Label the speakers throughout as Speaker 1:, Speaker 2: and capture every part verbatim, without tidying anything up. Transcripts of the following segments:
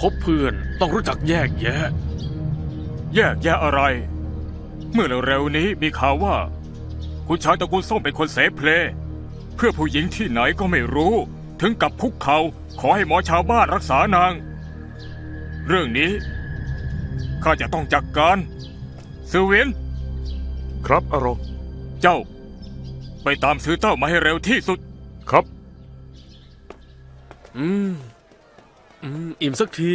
Speaker 1: บเพื่อนต้องรู้จักแยกแยะ
Speaker 2: แยกแยะอะไรเมื่อเร็วๆนี้มีข่าวว่าคุณชายตระกูลส้มเป็นคนเสเพลเพื่อผู้หญิงที่ไหนก็ไม่รู้ถึงกับคุกเข่าขอให้หมอชาวบ้านรักษานางเรื่องนี้ข้าจะต้องจัดการสือเวียน
Speaker 3: ครับอารอง
Speaker 2: เจ้าไปตามซื้อเต้ามาให้เร็วที่สุด
Speaker 3: ครับ
Speaker 1: อืมอืมอิ่มสักที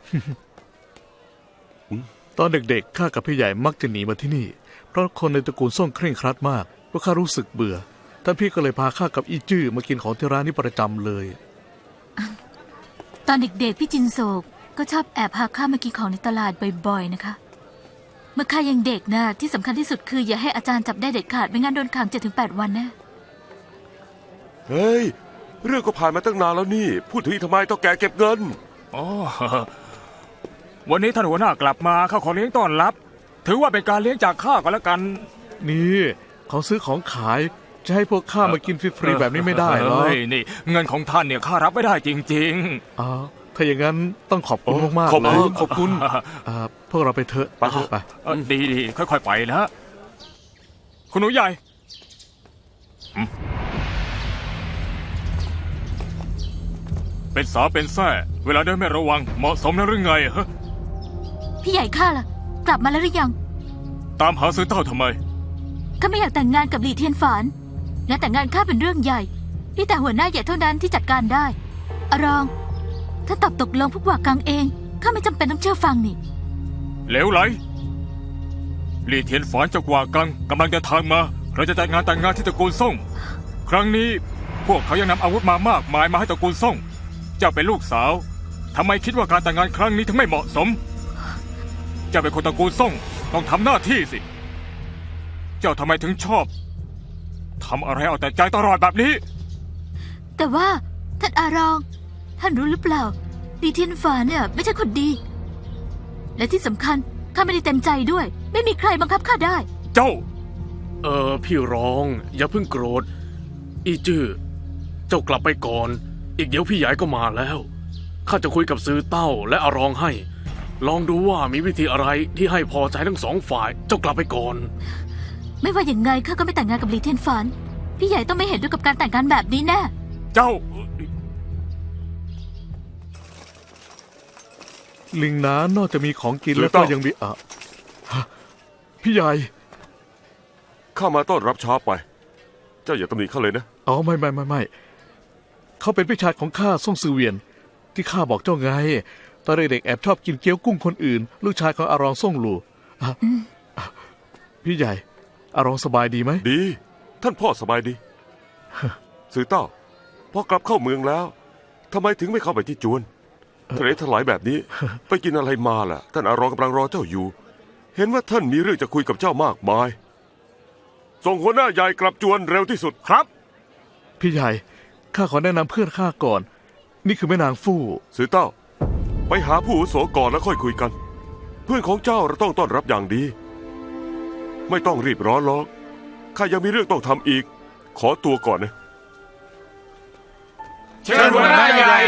Speaker 4: ตอนเด็กๆข้ากับพี่ใหญ่มักจะหนีมาที่นี่เพราะคนในตระกูลส่งเคร่งครัดมากเพราะข้ารู้สึกเบื่อท่านพี่ก็เลยพาข้ากับอีจื้อมากินของที่ร้านนี้ประจำเลย
Speaker 5: ตอนเด็กๆพี่จินโศกก็ชอบแอบพาข้ามากินของในตลาดบ่อยๆนะคะเมื่อข้ายังเด็กนะที่สำคัญที่สุดคืออย่าให้อาจารย์จับได้เด็ดขาดไม่งั้นโดนขังเจ็ดถึงแปดวันนะ
Speaker 3: เฮ้ยเรื่องก็ผ่านมาตั้งนานแล้วนี่พูดถึงทำไมต้องแกเก็บเงิน
Speaker 2: อ๋อวันนี้ท่านหัวหน้ากลับมาข้าขอเลี้ยงต้อนรับถือว่าเป็นการเลี้ยงจากข้าก็แล้วกัน
Speaker 4: นี่ของซื้อของขายจะให้พวกข้ามากินฟรีๆแบบนี้ไม่ได้หรอก
Speaker 2: นี่เงินของท่านเนี่ยข้ารับไม่ได้จริง
Speaker 4: ๆอ๋อถ้าอย่างนั้นต้องขอบคุณมากๆเลย
Speaker 2: ขอบคุณ
Speaker 4: พวกเราไปเถอะไปไป
Speaker 2: ดีดีค่อยๆไปนะคุณหนูใหญ่เป็นสาวเป็นแส่เวลาเดินไม่ระวังเหมาะสมนะหรือไงฮะ
Speaker 5: พี่ใหญ่ข้าล่ะกลับมาแล้วหรือยัง
Speaker 2: ตามหาซื้อเต้าทำไม
Speaker 5: ข้าไม่อยากแต่งงานกับหลี่เทียนฝานงานแต่งงานข้าเป็นเรื่องใหญ่นี่แต่หัวหน้าใหญ่เท่านั้นที่จัดการได้อารองถ้าตอบตกลงพวกว่ากังเองข้าไม่จำเป็นต้องเชื่อฟังนี่
Speaker 2: เหลวไหลหลี่เทียนฝานจากว่ากังกำลังจะทางมาเราจะจัดงานแต่งงานที่ตระกูลซ่งครั้งนี้พวกเขายังนำอาวุธมามากมายมาให้ตระกูลซ่งเจ้าเป็นลูกสาวทำไมคิดว่าการแต่งงานครั้งนี้ถึงไม่เหมาะสมเจ้าเป็นคนตระกูลซ่งต้องทำหน้าที่สิเจ้าทำไมถึงชอบทำอะไรเอาแต่ใจตลอดแบบนี้
Speaker 5: แต่ว่าท่านอารองท่านรู้หรือเปล่าหลี่เทียนฝานเนี่ยไม่ใช่คนดีและที่สำคัญข้าไม่ได้เต็มใจด้วยไม่มีใครบังคับข้าได้
Speaker 2: เจ้า
Speaker 1: เออพี่ร้องอย่าเพิ่งโกรธอีจื้อเจ้ากลับไปก่อนอีกเดี๋ยวพี่ใหญ่ก็มาแล้วข้าจะคุยกับซื้อเต้าและอารองให้ลองดูว่ามีวิธีอะไรที่ให้พอใจทั้งสองฝ่ายเจ้ากลับไปก่อน
Speaker 5: ไม่ว่าอย่างไงข้าก็ไม่แต่งงานกับหลี่เทียนฝานพี่ใหญ่ต้องไม่เห็นด้วยกับการแต่งงานแบบนี้แน่
Speaker 2: เจ้า
Speaker 4: ลิงน้านอกจากมีของกินแล้วก็ยังมีอ่ะพี่ใหญ่
Speaker 3: ข้ามาต้อนรับช้าไปเจ้าอย่าตำหนิข้าเลยนะ
Speaker 4: อ๋อไม่ไม่ไม่ไม่เขาเป็นพี่ชายของข้าซ่งซือเวียนที่ข้าบอกเจ้าไงตอนเด็กแอบชอบกินเกี๊ยวกุ้งคนอื่นลูกชายของอารองซ่งหลู่พี่ใหญ่อารองสบายดีไหม
Speaker 3: ดีท่านพ่อสบายดีสื่อเต้าพอกลับเข้าเมืองแล้วทำไมถึงไม่เข้าไปที่จวนทะเลถลายแบบนี้ไปกินอะไรมาล่ะท่านอารองกำลังรอเจ้าอยู่เห็นว่าท่านมีเรื่องจะคุยกับเจ้ามากมายส่งหัวหน้าใหญ่กลับจวนเร็วที่สุด
Speaker 2: ครับ
Speaker 4: พี่ใหญ่ข้าขอแนะนำเพื่อนข้าก่อนนี่คือแม่นางฟู่
Speaker 3: สื่อเต้าไปหาผู้อาวุโสก่อนแล้วค่อยคุยกันเพื่อนของเจ้าเราต้องต้อนรับอย่างดีไม่ต้องรีบร้อนหรอกข้ายังมีเรื่องต้องทำอีกขอตัวก่อนนะ
Speaker 2: เชิญหัวหน้าใหญ่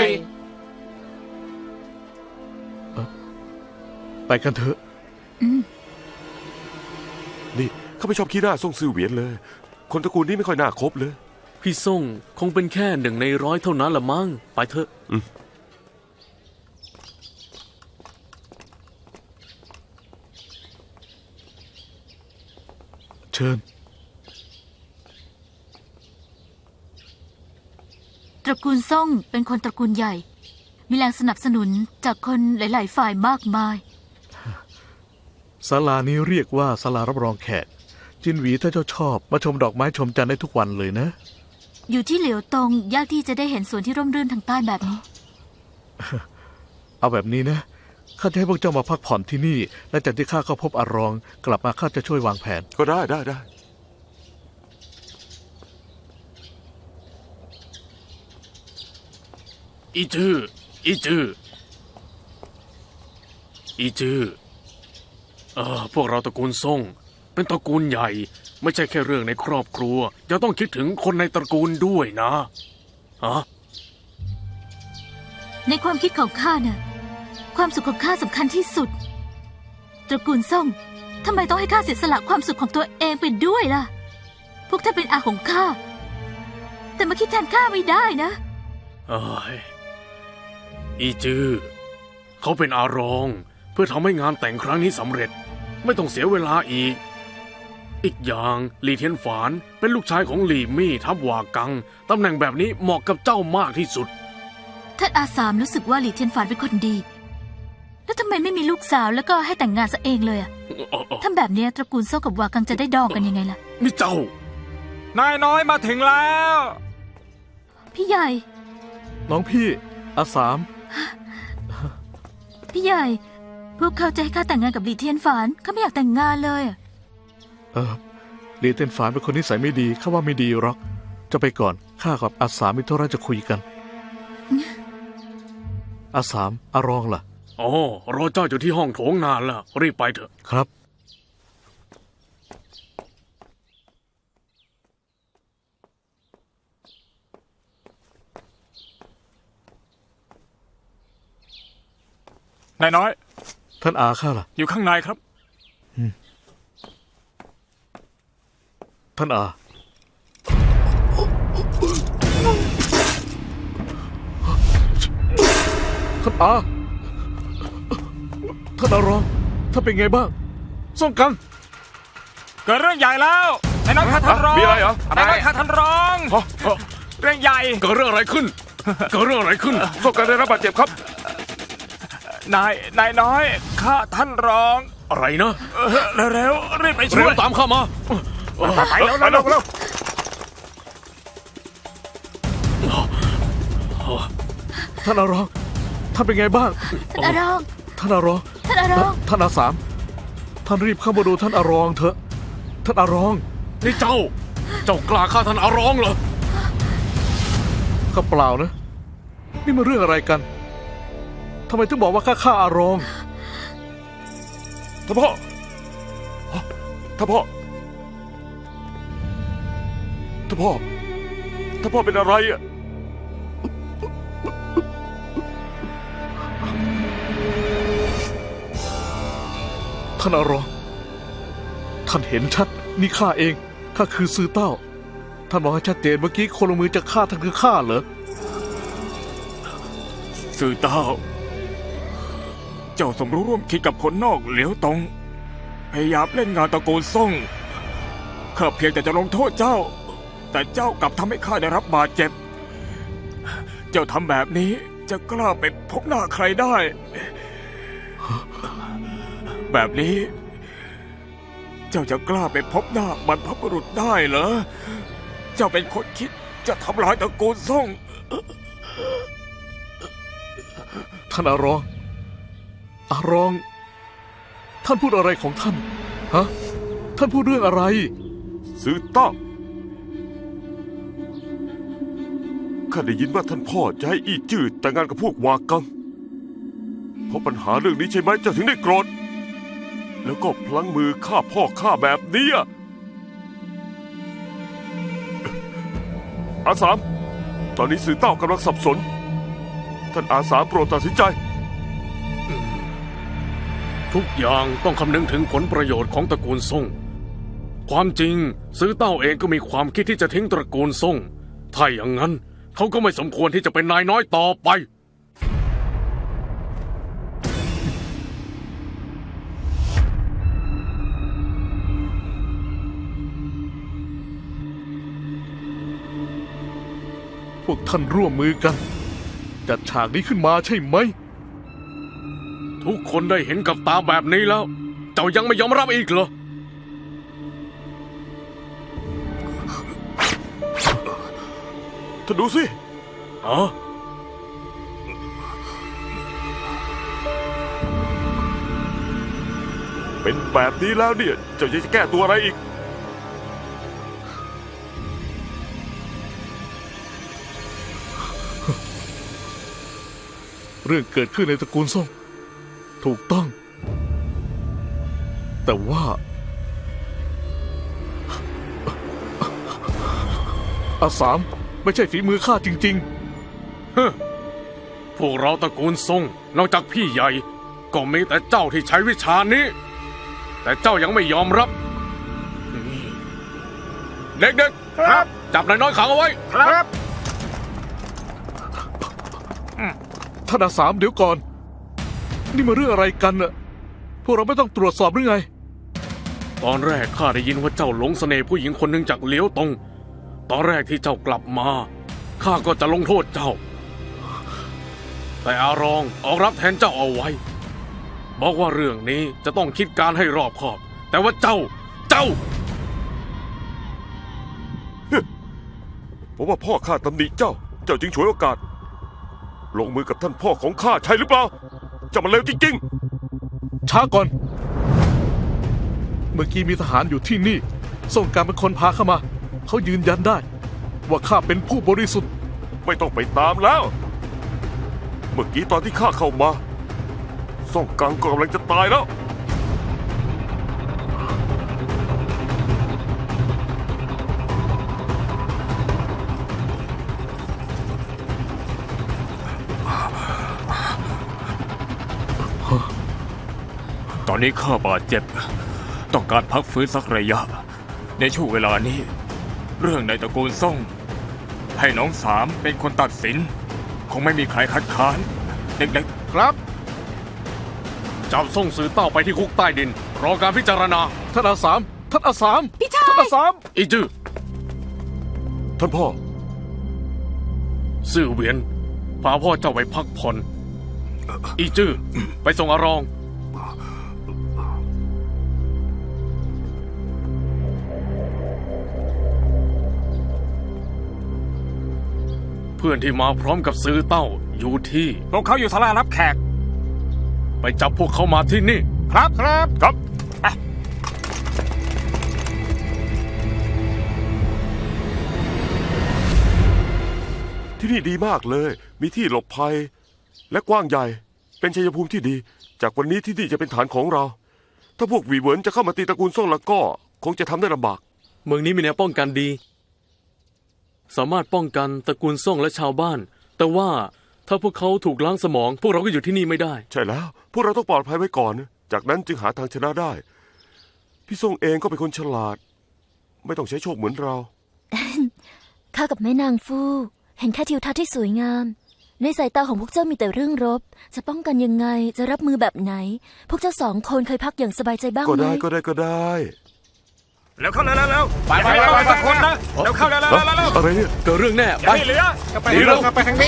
Speaker 4: ไปกันเถอะ
Speaker 3: นี่ข้าไม่ชอบขี้หน้าซ่งซื่อเหวียนเลยคนตระกูลนี้ไม่ค่อยน่าคบเลย
Speaker 1: พี่ซ่งคงเป็นแค่หนึ่งในร้อยเท่านั้นละมั้งไปเถอะ
Speaker 4: เชิญ
Speaker 5: ตระกูลซ่งเป็นคนตระกูลใหญ่มีแรงสนับสนุนจากคนหลายๆฝ่ายมากมาย
Speaker 4: ศาลานี้เรียกว่าศาลารับรองแขกจินหวีถ้าเจ้าชอบมาชมดอกไม้ชมจันทร์ได้ทุกวันเลยนะ
Speaker 5: อยู่ที่เหลียวตงยากที่จะได้เห็นสวนที่ร่มรื่นทางใต้แบบนี้
Speaker 4: เอาแบบนี้นะข้าจะให้พวกเจ้ามาพักผ่อนที่นี่และจากที่ข้าเข้าพบอารองกลับมาข้าจะช่วยวางแผน
Speaker 3: ก็ได้ได้ได้
Speaker 1: อีจื้ออีจื้ออีจื้อเออพวกเราตระกูลซ่งเป็นตระกูลใหญ่ไม่ใช่แค่เรื่องในครอบครัวยังต้องคิดถึงคนในตระกูลด้วยนะฮะ
Speaker 5: ในความคิดของข้าน่ะความสุขของข้าสำคัญที่สุด ตระกูลซ่งทำไมต้องให้ข้าเสียสละความสุขของตัวเองไปด้วยล่ะ พวกท่านเป็นอาของข้า แต่มาคิดแทนข้าไม่ได้นะ
Speaker 1: เอ้ยอีจื้อเขาเป็นอารองเพื่อทำให้งานแต่งครั้งนี้สำเร็จ ไม่ต้องเสียเวลาอีก อีกอย่างหลี่เทียนฝานเป็นลูกชายของหลี่มี่ทับหว่ากังตำแหน่งแบบนี้เหมาะกับเจ้ามากที่สุด
Speaker 5: ท่านอาสามรู้สึกว่าหลี่เทียนฝานเป็นคนดี แล้วทำไมไม่มีลูกสาวแล้วก็ให้แต่งงานซะเองเลยอะทำแบบเนี้ยตระกูลโซ่กับวากังจะได้ดองกันยังไงล่ะ
Speaker 1: นี่เจ้า
Speaker 2: นายน้อยมาถึงแล้ว
Speaker 5: พี่ใหญ่
Speaker 4: น้องพี่อาสาม
Speaker 5: พี่ใหญ่ พวกเขาจะให้ข้าแต่งงานกับหลี่เทียนฝานข้าไม่อยากแต่งงานเลยอะ
Speaker 4: เออหลีเตียนฝานเป็นคนนิสัยไม่ดีข้าว่าไม่ดีหรอกจะไปก่อนข้ากับอาสามมิโทระจะคุยกัน อาสามอารองล่ะ
Speaker 1: อ๋อ รอเจ้าอยู่ที่ห้องโถงนานแล้ว รีบไปเถอะ
Speaker 4: ครับ
Speaker 2: นายน้อย
Speaker 4: ท่านอาข้าล่ะ
Speaker 2: อยู่ข้างในครับ
Speaker 4: ท่านอา ท่านอา ท่านอารองท่านเป็นไงบ้างส่งกัง
Speaker 2: เกิดเรื่องใหญ่แล้วนายน้อยข้าท่านรอง
Speaker 3: มีอะไรเหรอ
Speaker 2: นายน้อยข้าท่านรอง
Speaker 1: ฮะฮะ
Speaker 2: เรื่องใหญ่
Speaker 1: เกิดเรื่องอะไรขึ้น เกิดเรื่องอะไรขึ้น
Speaker 3: ส่งการได้รับบาดเจ็บครับ
Speaker 2: นายนายน้อยข้าท่านรอง
Speaker 1: อะไรนะ
Speaker 2: เออเร็วๆรีบไปช่
Speaker 1: เร็
Speaker 2: ว
Speaker 1: วย ตามข้ามา
Speaker 2: ไปแล้วเร็วๆเร็ว
Speaker 4: ท่านอารองท่านเป็นไงบ้าง
Speaker 5: ท่านอารอง
Speaker 4: ท่านอารอง
Speaker 5: ท่านอารอง
Speaker 4: ท่านอาสามท่านรีบเข้ามาดูท่านอารองเถอะท่านอารอง
Speaker 1: นี่เจ้า เจ้ากล้าฆ่าท่านอารองเหรอ
Speaker 4: ก็เปล่านะ นี่มันเรื่องอะไรกันทำไมถึงบอกว่าข้าฆ่าอารอง
Speaker 3: ท่านพ่อท่านพ่อท่านพ่อท่านพ่อเป็นอะไรอ่ะ
Speaker 4: ท่านอารองท่านเห็นชัดนี่ข้าเองข้าคือซื้อเต้าท่านบอกให้ชัดเจนเมื่อกี้คนลงมือจะฆ่าท่านคือข้าเหรอ
Speaker 2: สื่อเต้า เจ้าสมรู้ร่วมคิดกับคนนอกเหลียวตรง พยายามเล่นงานตระกูลซ่งข้าเพียงแต่จะลงโทษเจ้า แต่เจ้ากลับทำให้ข้าได้รับบาดเจ็บ เจ้าทำแบบนี้จะกล้าไปพบหน้าใครได้ แบบนี้ เจ้าจะกล้าไปพบหน้าบรรพบุรุษได้เหรอ เจ้าเป็นคนคิดจะทำลายตระกูลซ่ง
Speaker 4: ท่านอารอง อารอง ท่านพูดอะไรของท่าน ฮะ ท่านพูดเรื่องอะไร
Speaker 3: ซื้อต้าข้าได้ยินว่าท่านพ่อจะให้อี้จืดแต่งงานกับพวกวากัง เพราะปัญหาเรื่องนี้ใช่ไหมเจ้าถึงได้โกรธ แล้วก็พลั้งมือฆ่าพ่อฆ่าแบบนี้อะอาสาม ตอนนี้สื่อเต้ากำลังสับสน ท่านอาสามโปรดตัดสินใจ
Speaker 1: ทุกอย่างต้องคำนึงถึงผลประโยชน์ของตระกูลซ่ง ความจริงซื้อเต้าเองก็มีความคิดที่จะทิ้งตระกูลซ่ง ถ้าอย่างนั้นเขาก็ไม่สมควรที่จะเป็นนายน้อยต่อไป
Speaker 4: พวกท่านร่วมมือกัน จัดฉากนี้ขึ้นมาใช่ไหม
Speaker 1: ทุกคนได้เห็นกับตาแบบนี้แล้ว เจ้ายังไม่ยอมรับอีกเหรอ
Speaker 3: ท่านดูสิ
Speaker 1: อ๋อ
Speaker 3: เป็นแบบนี้แล้วเนี่ยเจ้าจะแก้ตัวอะไรอีก
Speaker 4: เรื่องเกิดขึ้นในตระกูลซ่งถูกต้อง แต่ว่า อาสามไม่ใช่ฝีมือข้าจริง
Speaker 1: เฮ้อพวกเราตระกูลซ่งนอกจากพี่ใหญ่ก็มีแต่เจ้าที่ใช้วิชานี้ แต่เจ้ายังไม่ยอมรับ เด็กๆ ครับ จับนายน้อยขังเอาไว้
Speaker 2: ครับ
Speaker 4: ท่านอาสามเดี๋ยวก่อน นี่มาเรื่องอะไรกันน่ะพวกเราไม่ต้องตรวจสอบหรือไง
Speaker 1: ตอนแรกข้าได้ยินว่าเจ้าหลงเสน่ห์ผู้หญิงคนหนึ่งจากเหลียวตง ตอนแรกที่เจ้ากลับมาข้าก็จะลงโทษเจ้า แต่อารองออกรับแทนเจ้าเอาไว้ บอกว่าเรื่องนี้จะต้องคิดการให้รอบคอบ แต่ว่าเจ้า เจ้า
Speaker 3: ผมว่าพ่อข้าตำหนิเจ้า เจ้าจึงฉวยโอกาส ลงมือกับท่านพ่อของข้าใช่หรือเปล่า เจ้ามันเลวจริง
Speaker 4: ช้าก่อน เมื่อกี้มีทหารอยู่ที่นี่ ส่งการเป็นคนพาเข้ามา เขายืนยันได้ ว่าข้าเป็นผู้บริสุทธิ์
Speaker 3: ๆ ไม่ต้องไปตามแล้ว เมื่อกี้ตอนที่ข้าเข้ามาซ่องกังก็กำลังจะตายแล้ว
Speaker 2: ตอนนี้ข้าบาดเจ็บ ต้องการพักฟื้นสักระยะ ในช่วงเวลานี้ เรื่องในตระกูลซ่งให้น้องสามเป็นคนตัดสิน คงไม่มีใครคัดค้านเด็ก
Speaker 4: ครับ
Speaker 1: จับส่งสื่อเต้าไปที่คุกใต้ดิน รอการพิจารณา
Speaker 4: ท่านอาสาม ท่านอาสาม
Speaker 5: พี่ชาย
Speaker 4: ท่านอาสาม
Speaker 1: อีจื้อ
Speaker 3: ท่านพ่อ
Speaker 1: ซื่อเหวียนพาพ่อเจ้าไปพักผ่อน อีจื้อไปส่งอารอง เพื่อนที่มาพร้อมกับซื้อเต้าอยู่ที่
Speaker 2: ๆ พวกเขาอยู่ศาลารับแขก
Speaker 1: ไปจับพวกเขามาที่นี่
Speaker 2: ครับครับ
Speaker 3: ครับ ที่นี่ดีมากเลย มีที่หลบภัย และกว้างใหญ่ เป็นชัยภูมิที่ดี จากวันนี้ที่นี่จะเป็นฐานของเรา ถ้าพวกหวีเหวินจะเข้ามาตีตระกูลซ่งแล้วก็ คงจะทำได้ลำบาก
Speaker 1: เมืองนี้มีแนวป้องกันดี สามารถป้องกันตระกูลซ่งและชาวบ้าน แต่ว่าถ้าพวกเขาถูกล้างสมอง พวกเราก็อยู่ที่นี่ไม่ได้
Speaker 3: ใช่แล้ว พวกเราต้องปลอดภัยไว้ก่อน จากนั้นจึงหาทางชนะได้ พี่ซ่งเองก็เป็นคนฉลาด ไม่ต้องใช้โชคเหมือนเรา
Speaker 6: ข้ากับแม่นางฟู่เห็นแค่ทิวทัศน์ที่สวยงาม ในสายตาของพวกเจ้ามีแต่เรื่องรบ จะป้องกันยังไง จะรับมือแบบไหน พวกเจ้าสองคนเคยพักอย่างสบายใจบ้าง
Speaker 3: ก็
Speaker 6: ไหม
Speaker 3: ได้ก็ได้ก็ได้
Speaker 2: แล้วเข้าแล้วแล้วไปไปไปสักคนนะแล้วเข้าแล้วแล้ว
Speaker 3: ฮะ
Speaker 2: แล้ว
Speaker 3: อะไรเนี่ย
Speaker 1: เกิดเรื่องแน่
Speaker 2: อย่า
Speaker 1: ไป
Speaker 2: ให้เหลือ
Speaker 1: ไปเร็ว
Speaker 2: ไปทางนี้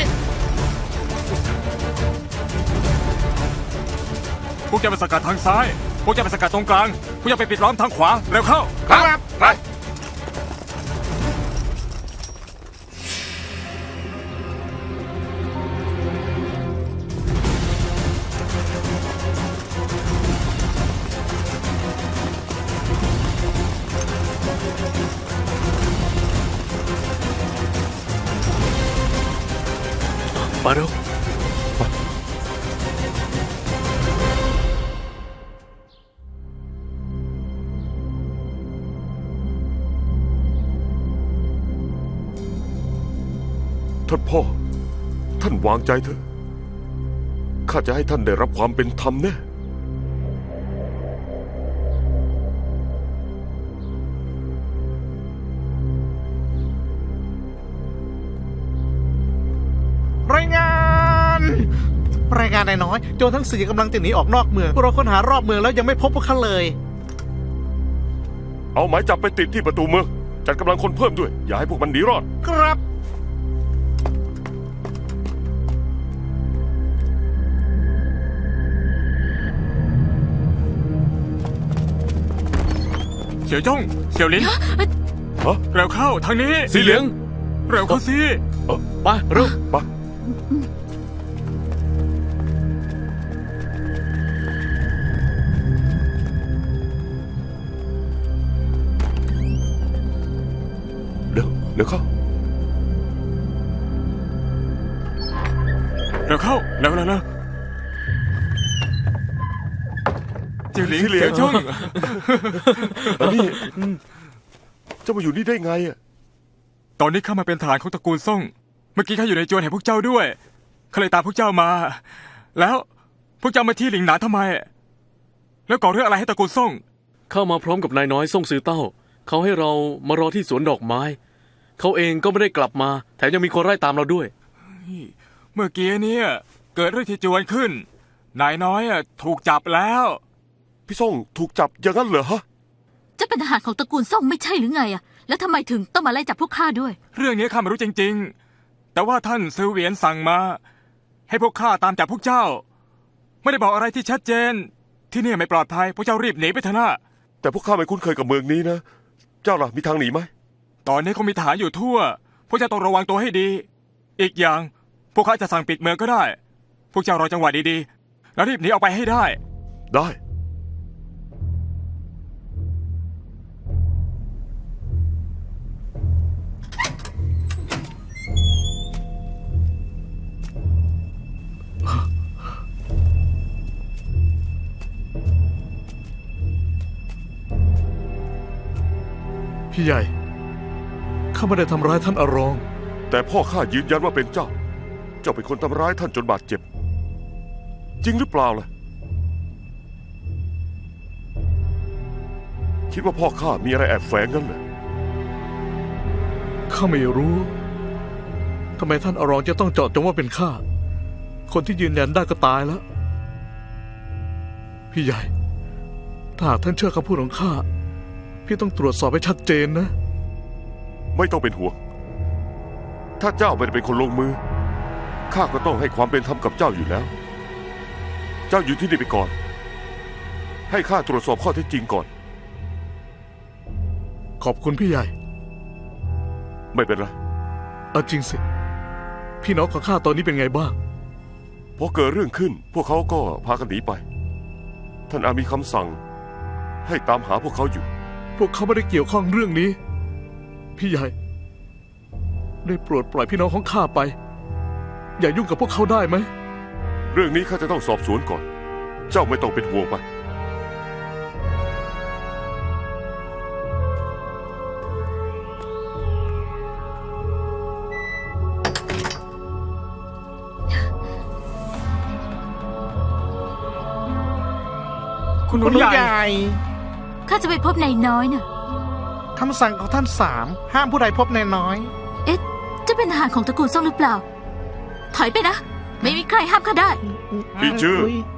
Speaker 2: พวกจะไปสกัดทางซ้าย พวกจะไปสกัดตรงกลาง พวกจะไปปิดล้อมทางขวา เร็วเข้า
Speaker 1: ครับไป ไปเร็ว
Speaker 3: ท่านพ่อ ท่านวางใจเถอะ ข้าจะให้ท่านได้รับความเป็นธรรมแน่
Speaker 4: รายงาน รายงานนายน้อย โจรทั้งสี่กำลังจะหนีออกนอกเมือง พวกเราค้นหารอบเมืองแล้วยังไม่พบพวกเขาเลย
Speaker 3: เอาหมายจับไปติดที่ประตูเมือง จัดกำลังคนเพิ่มด้วย อย่าให้พวกมันหนีรอด
Speaker 4: ครับ
Speaker 2: เสี่ยวจ้งเสี่ยวหลิน
Speaker 3: ฮะ
Speaker 2: เร็วเข้าทางนี้
Speaker 1: สีเหลือง
Speaker 2: เร็วเข้าสิ
Speaker 3: เออ
Speaker 1: ไปเร็ว
Speaker 3: ไปเดี๋ยวเดี๋ยวเข้า
Speaker 2: เร็วเข้าเร็วเร็วเร็วเสี่ยวหลิน
Speaker 3: เสี่ยวหลิน
Speaker 2: เสี่ยวจ้ง
Speaker 3: อันนี้เจ้ามาอยู่นี่ได้ไงอ่ะ
Speaker 2: ตอนนี้ข้ามาเป็นทหารของตระกูลซ่ง เมื่อกี้ข้าอยู่ในจวนแห่งพวกเจ้าด้วยข้าเลยตามพวกเจ้ามา แล้วพวกเจ้ามาที่หลิงหนานทำไม แล้วก่อเรื่องอะไรให้ตระกูลซ่ง
Speaker 1: เข้ามาพร้อมกับนายน้อยซ่งซือเต้า เขาให้เรามารอที่สวนดอกไม้ เขาเองก็ไม่ได้กลับมา แถมยังมีคนไล่ตามเราด้วย
Speaker 2: เมื่อกี้เนี่ยเกิดเรื่องที่จวนขึ้น นายน้อยอะถูกจับแล้ว
Speaker 3: พี่ส่งถูกจับอย่างนั้นเหรอฮะ
Speaker 5: จะเป็นทหารของตระกูลซ่งไม่ใช่หรือไงอะแล้วทำไมถึงต้องมาไล่จับพวกข้าด้วย
Speaker 2: เรื่องนี้ข้าไม่รู้จริงๆ แต่ว่าท่านซือเหวียนสั่งมา ให้พวกข้าตามจับพวกเจ้า ไม่ได้บอกอะไรที่ชัดเจน ที่นี่ไม่ปลอดภัยพวกเจ้ารีบหนีไปเถอะนะ
Speaker 3: แต่พวกข้าไม่คุ้นเคยกับเมืองนี้นะ เจ้าล่ะมีทางหนีไหม
Speaker 2: ตอนนี้คงมีทหารอยู่ทั่ว พวกเจ้าต้องระวังตัวให้ดี อีกอย่างพวกข้าจะสั่งปิดเมืองก็ได้ พวกเจ้ารอจังหวะดีๆ แล้วรีบหนีออกไปให้ได้
Speaker 3: ได้
Speaker 4: พี่ใหญ่ ข้าไม่ได้ทำร้ายท่านอารอง
Speaker 3: แต่พ่อข้ายืนยันว่าเป็นเจ้า เจ้าเป็นคนทำร้ายท่านจนบาดเจ็บ จริงหรือเปล่าล่ะ คิดว่าพ่อข้ามีอะไรแอบแฝงงั้นเหรอ
Speaker 4: ข้าไม่รู้ ทำไมท่านอารองจะต้องเจาะจงว่าเป็นข้า คนที่ยืนยันได้ก็ตายแล้ว พี่ใหญ่ ถ้าหากท่านเชื่อคำพูดของข้า พี่ต้องตรวจสอบให้ชัดเจนนะ
Speaker 3: ไม่ต้องเป็นห่วง ถ้าเจ้าไม่ได้เป็นคนลงมือ ข้าก็ต้องให้ความเป็นธรรมกับเจ้าอยู่แล้ว เจ้าอยู่ที่นี่ไปก่อน ให้ข้าตรวจสอบข้อเท็จจริงก่อน
Speaker 4: ขอบคุณพี่ใหญ่
Speaker 3: ไม่เป็นไร
Speaker 4: เอาจริงสิ พี่น้องของข้าตอนนี้เป็นไงบ้าง
Speaker 3: พอเกิดเรื่องขึ้น พวกเขาก็พากันหนีไป ท่านอามีคำสั่ง ให้ตามหาพวกเขาอยู่
Speaker 4: พวกเขาไม่ได้เกี่ยวข้องเรื่องนี้ พี่ใหญ่ ได้โปรดปล่อยพี่น้องของข้าไป อย่ายุ่งกับพวกเขาได้ไหม
Speaker 3: เรื่องนี้ข้าจะต้องสอบสวนก่อน เจ้าไม่ต้องเป็นห่วงไป
Speaker 2: คุณห
Speaker 7: คุ
Speaker 2: นู
Speaker 7: ณ
Speaker 2: ใหญ่
Speaker 7: ใหญ่
Speaker 5: ข้าจะไปพบนายน้อยน่ะ
Speaker 7: คำสั่งของท่านสามห้ามผู้ใดพบนายน้อย
Speaker 5: เอ๊ะ จะเป็นทหารของตระกูลซ่งหรือเปล่า ถอยไปนะ ไม่มีใครห้ามข้าได้
Speaker 3: อีจื้อ
Speaker 7: ย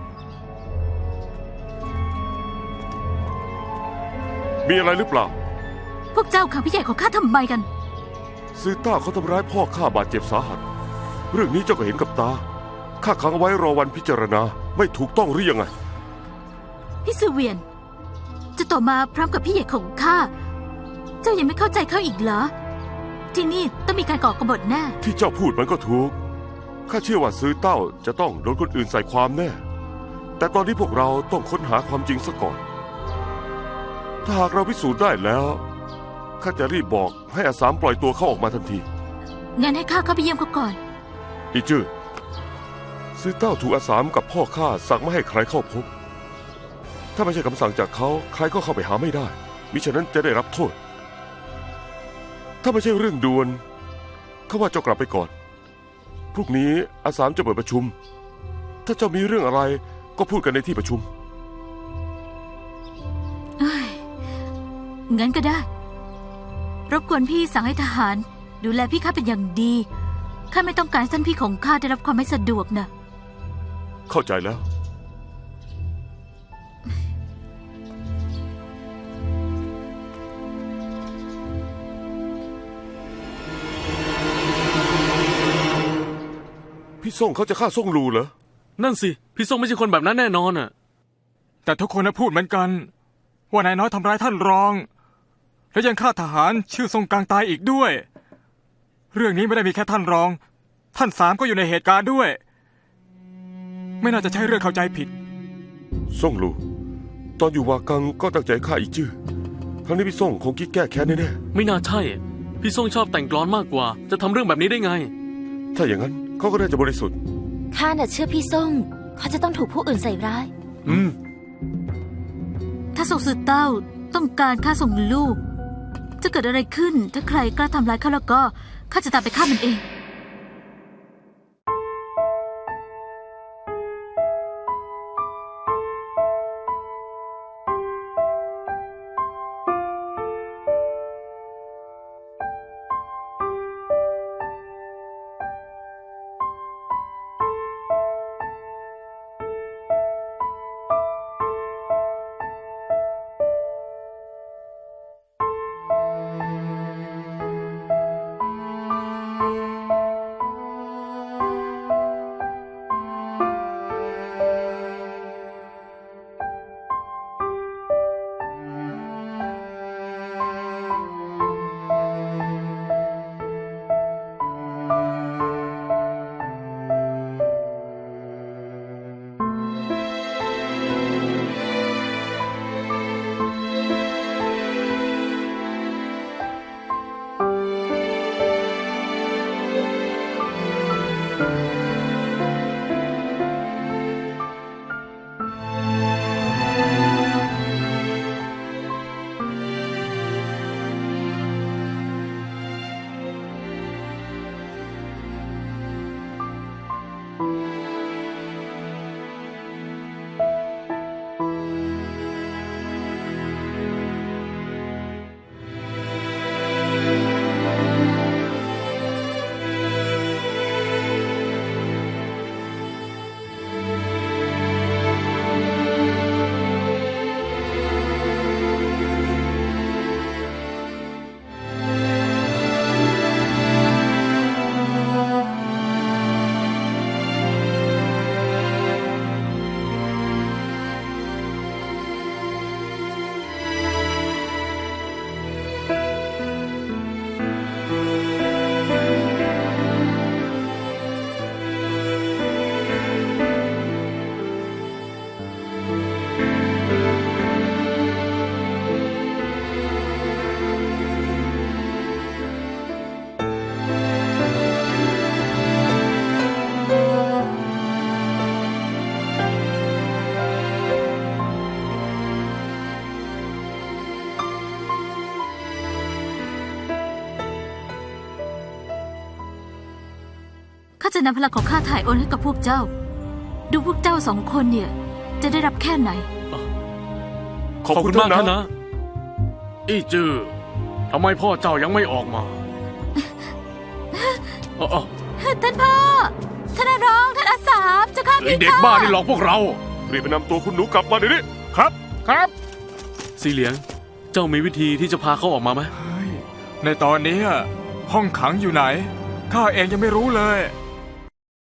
Speaker 3: มีอะไรหรือเปล่า
Speaker 5: พวกเจ้าขังพี่ใหญ่ของข้าทำไมกัน
Speaker 3: ซือต้าเขาทำร้ายพ่อข้าบาดเจ็บสาหัส เรื่องนี้เจ้าก็เห็นกับตา ข้าขังเอาไว้รอวันพิจารณา ไม่ถูกต้องหรือยังไง
Speaker 5: พี่ซือเวียน จะต่อมาพร้อมกับพี่ใหญ่ของข้า เจ้ายังไม่เข้าใจเขาอีกเหรอ ที่นี่ต้องมีการก่อกบฏแน่
Speaker 3: ที่เจ้าพูดมันก็ถูก ข้าเชื่อว่าซือเต้าจะต้องโดนคนอื่นใส่ความแน่ แต่ตอนนี้พวกเราต้องค้นหาความจริงซะก่อน ถ้าหากเราพิสูจน์ได้แล้ว ข้าจะรีบบอกให้อาสามปล่อยตัวเขาออกมาทันที
Speaker 5: งั้นให้ข้าเข้าไปเยี่ยมเขาก่อน
Speaker 3: อีจื้อซือเต้าถูกอาสามกับพ่อข้าสั่งไม่ให้ใครเข้าพบ ถ้าไม่ใช่คำสั่งจากเขาใครก็เข้าไปหาไม่ได้ มิฉะนั้นจะได้รับโทษ ถ้าไม่ใช่เรื่องด่วนข้าว่าเจ้ากลับไปก่อน พรุ่งนี้อาสามจะเปิดประชุม ถ้าเจ้ามีเรื่องอะไรก็พูดกันในที่ประชุม
Speaker 5: เอ้ย งั้นก็ได้ รบกวนพี่สั่งให้ทหาร ดูแลพี่ข้าเป็นอย่างดี ข้าไม่ต้องการให้ท่านพี่ของข้าได้รับความไม่สะดวกนะ
Speaker 3: เข้าใจแล้ว พี่ส่งเขาจะฆ่าส่งลูเหรอ
Speaker 1: นั่นสิ พี่ซ่งไม่ใช่คนแบบนั้นแน่นอนอ่ะ
Speaker 2: แต่ทุกคนนะพูดเหมือนกัน ว่านายน้อยทำร้ายท่านรอง และยังฆ่าทหารชื่อทรงกลางตายอีกด้วย เรื่องนี้ไม่ได้มีแค่ท่านรอง ท่านสามก็อยู่ในเหตุการณ์ด้วย ไม่น่าจะใช่เรื่องเข้าใจผิด
Speaker 3: ส่งลู ตอนอยู่วากังก็ตั้งใจฆ่าอีจื้อครั้งนี้พี่ส่งคงคิดแก้แค้นแน่
Speaker 1: ไม่น่าใช่ พี่ซ่งชอบแต่งกลอนมากกว่า จะทำเรื่องแบบนี้ได้ไง
Speaker 3: ๆถ้าอย่างนั้นเขาก็น่าจะบริสุทธิ์
Speaker 6: ข้าน่ะเชื่อพี่ส่งเขาจะต้องถูกผู้อื่นใส่ร้าย
Speaker 1: อืม
Speaker 5: ถ้าส่งสือเต้าต้องการฆ่าส่งลูก จะเกิดอะไรขึ้น ถ้าใครกล้าทำร้ายข้าแล้วก็ข้าจะตามไปฆ่ามันเองาจะนำพลังของข้าถ่ายโอนให้กับพวกเจ้า ดูพวกเจ้าสองคนเนี่ย จะได้รับแค่ไหน
Speaker 3: ขอบคุณมากนะ
Speaker 1: อีจือทำไมพ่อเจ้ายังไม่ออกมาเอ้า
Speaker 5: ท่านพ่อ ท่านอาร้อง ท่านอาสามเจ้าข้า
Speaker 1: ไอ้
Speaker 5: พี่
Speaker 1: เด็ก
Speaker 5: ค่ะ
Speaker 1: บ้านี่หลอกพวกเรา
Speaker 3: รีบไปนำตัวคุณหนูกลับมาเดี๋ยวนี้
Speaker 2: ครับ
Speaker 7: ครับ
Speaker 1: สีเหลียง เจ้ามีวิธีที่จะพาเขาออกมาไหม
Speaker 2: ในตอนนี้ห้องขังอยู่ไหน ข้าเองยังไม่รู้เลย